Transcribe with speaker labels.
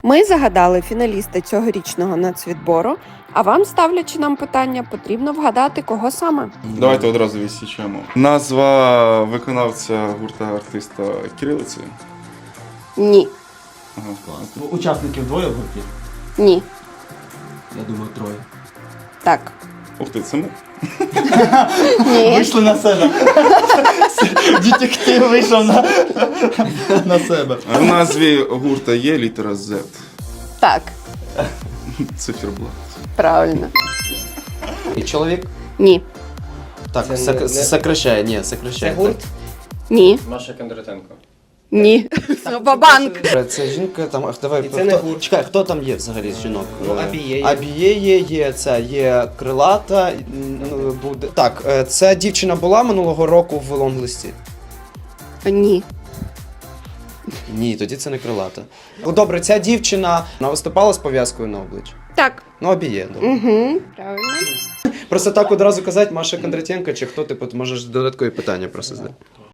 Speaker 1: Ми загадали фіналіста цьогорічного нацвідбору, а вам, ставлячи нам питання, потрібно вгадати, кого саме.
Speaker 2: Давайте одразу відсічемо. Назва виконавця гурта артиста кирилиці.
Speaker 1: Ні.
Speaker 2: Ага.
Speaker 3: Клас. Учасників двоє в гурті?
Speaker 1: Ні.
Speaker 3: Я думаю, троє.
Speaker 1: Так.
Speaker 2: Ух ти, це ми.
Speaker 1: Ні.
Speaker 3: Вийшли на себе. Детектив вийшов на себе.
Speaker 2: В назві гурта є літера Z.
Speaker 1: Так.
Speaker 2: Циферблат.
Speaker 1: Правильно.
Speaker 4: І чоловік?
Speaker 1: Ні.
Speaker 4: Так,
Speaker 5: Це не-
Speaker 4: сокращає, ні, сокращає.
Speaker 5: Це гурт?
Speaker 1: Ні.
Speaker 5: Маша Кондратенко.
Speaker 1: Ні. Бабанк.
Speaker 4: Це жінка там, ах, давай,
Speaker 5: І це не
Speaker 4: хто,
Speaker 5: гурт.
Speaker 4: чекай, хто там є взагалі з жінок?
Speaker 5: Ну, Абіє є.
Speaker 4: Абіє є, це є крилата, буде. Так, ця дівчина була минулого року в лонглисті?
Speaker 1: Ні.
Speaker 4: Ні, тоді це не крилата. Ну, добре, ця дівчина, вона виступала з пов'язкою на обличчі?
Speaker 1: Так.
Speaker 4: Ну, Абіє, добре.
Speaker 1: Угу. Правильно.
Speaker 4: Просто так одразу казати Маша Кондратенко, чи хто, типу, ти можеш додаткові питання просто задати.